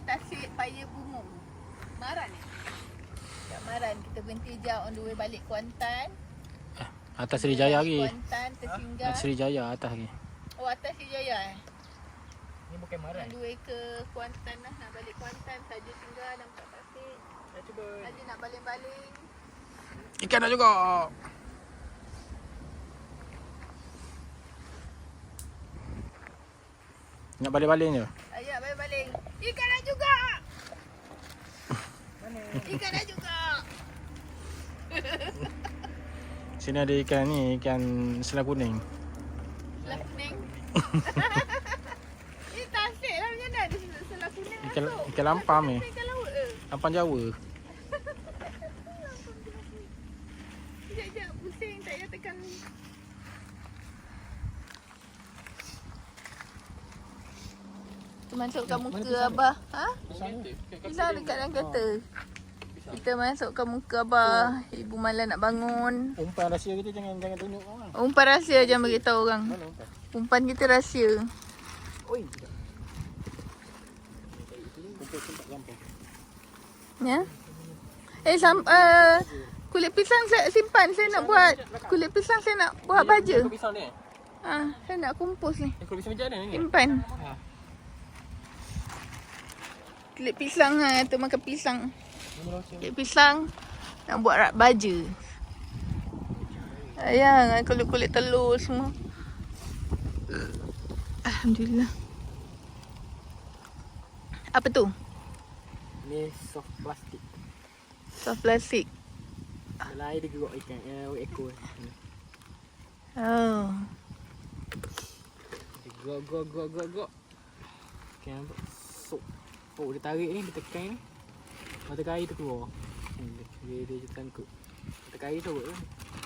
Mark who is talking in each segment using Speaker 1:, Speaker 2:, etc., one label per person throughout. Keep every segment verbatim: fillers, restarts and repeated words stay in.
Speaker 1: tasik Paya Bungung. Maran ni. Tak Maran. Kita berhenti jap on the way balik Kuantan.
Speaker 2: Atas Srijaya lagi.
Speaker 1: Kuantan tersinggah.
Speaker 2: Atas Srijaya atas lagi.
Speaker 1: Oh, atas Srijaya eh.
Speaker 3: Ni bukan Maran.
Speaker 1: On the way ke Kuantan lah. Nak balik Kuantan. Saja singgah nampak tasik.
Speaker 3: Dah cuba.
Speaker 1: Saja nak baling-baling.
Speaker 2: Ikan dah juga. Nak baling-baling je.
Speaker 1: Ayat baling-baling. Ikan dah juga.
Speaker 3: Mana?
Speaker 1: Ikan dah juga.
Speaker 2: Sini ada ikan ni, ikan selah kuning.
Speaker 1: Selah kuning. Ini tasik lah macam mana ada selah kuning
Speaker 2: Ikan,
Speaker 1: masuk.
Speaker 2: ikan lampam ni.
Speaker 1: Ikan laut ke?
Speaker 2: Lampam Jawa.
Speaker 1: Sekejap-sekejap pusing tak payah tekan. Kita masukkan muka Abah. Ha? Pisang dekat dalam kereta. Kita masukkan muka Abah. Ibu malam nak bangun.
Speaker 2: Umpan rahsia kita jangan jangan tunjuk orang.
Speaker 1: Umpan rahsia jangan beritahu orang.
Speaker 2: Mana umpan?
Speaker 1: Umpan kita rahsia.
Speaker 3: Oi, tidak.
Speaker 2: Umpan tempat lampau.
Speaker 1: Ya. Eh sam uh, kulit pisang saya simpan. Saya nak buat kulit pisang saya nak buat baja.
Speaker 3: Kau pisau ni?
Speaker 1: Ah, saya nak kumpus ni.
Speaker 3: Eh, kau pisau macam mana ni?
Speaker 1: Simpan.
Speaker 3: Ha.
Speaker 1: Kulit pisang ah, tu makan pisang.
Speaker 3: Mana rasa?
Speaker 1: Kulit pisang nak buat rak baja. Ayang, kulit-kulit telur semua. Alhamdulillah. Apa tu?
Speaker 3: Ni soft plastik.
Speaker 1: Soft plastik.
Speaker 3: Dalam air dia gerok ikan, eh, ekor. Ni.
Speaker 1: Oh.
Speaker 3: Dia gerok, gerok, gerok, gerok, gerok. Ikan nampak. Sok. Oh, dia tarik ni, dia tekan ni. Mata air tu keluar. Hmm, Dia, dia, dia tangkap. Mata air tu kan.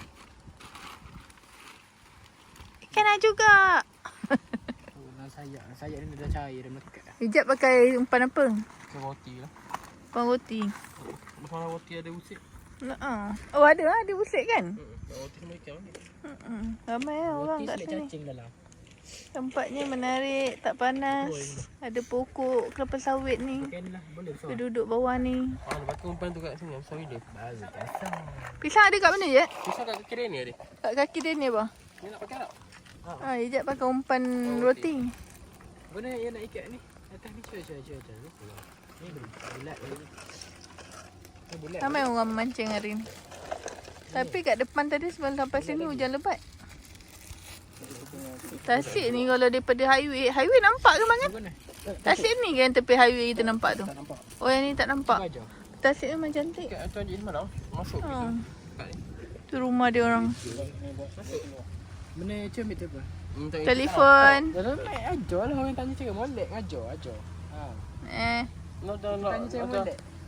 Speaker 1: Ikan dah juga.
Speaker 3: Oh, dalam sayap. Sayap ni dah cair, dah melekat dah.
Speaker 1: Hijab pakai umpan apa?
Speaker 3: Macam roti lah.
Speaker 1: Umpan roti.
Speaker 3: Macam roti ada usik.
Speaker 1: Uh-uh. Oh ada lah, ada busik kan?
Speaker 3: Hmm. Roti sama ikan ni.
Speaker 1: Uh-uh. Ramai lah orang
Speaker 3: Roti
Speaker 1: kat
Speaker 3: selit
Speaker 1: sini.
Speaker 3: cacing dalam.
Speaker 1: Tempatnya menarik, tak panas. Ada pokok kelapa sawit ni.
Speaker 3: Pakai ni lah, boleh besar.
Speaker 1: Kita duduk bawah ni.
Speaker 3: Ah, dia pakai umpan tu kat sini, besar dia. Baru kasar.
Speaker 1: Pisang ada kat mana je?
Speaker 3: Pisau kat kaki dia ni ada.
Speaker 1: Kat kaki dia ni apa?
Speaker 3: Ni nak pakai tak?
Speaker 1: Ah, Hijab pakai umpan
Speaker 3: Oh,
Speaker 1: roti.
Speaker 3: Mana yang nak ikat ni? Atas ni cuba cuba cuba cuba. Ni boleh bulat lagi. Ni bulat.
Speaker 1: Ramai orang memancing hari ni. Tapi kat depan tadi sebelum sampai sini hujan lebat. Tasik ni kalau daripada highway, highway nampak ke Mangan?
Speaker 3: Mana?
Speaker 1: Tasik ni kan tepi highway kita nampak tu.
Speaker 3: Tak nampak.
Speaker 1: Oh yang ni tak nampak.
Speaker 3: Baja.
Speaker 1: Tasik memang cantik.
Speaker 3: Kat tuan Haji mana? Masuk.
Speaker 1: Ha.
Speaker 3: Kat ni.
Speaker 1: Tu rumah dia orang.
Speaker 3: Masuk. Mana cem itu apa?
Speaker 1: Telefon.
Speaker 3: Dalam naik ajar lah orang tanya cakap molek ajar ajar. Ha.
Speaker 1: Eh.
Speaker 3: No, no, no.
Speaker 4: Tanya saya molek.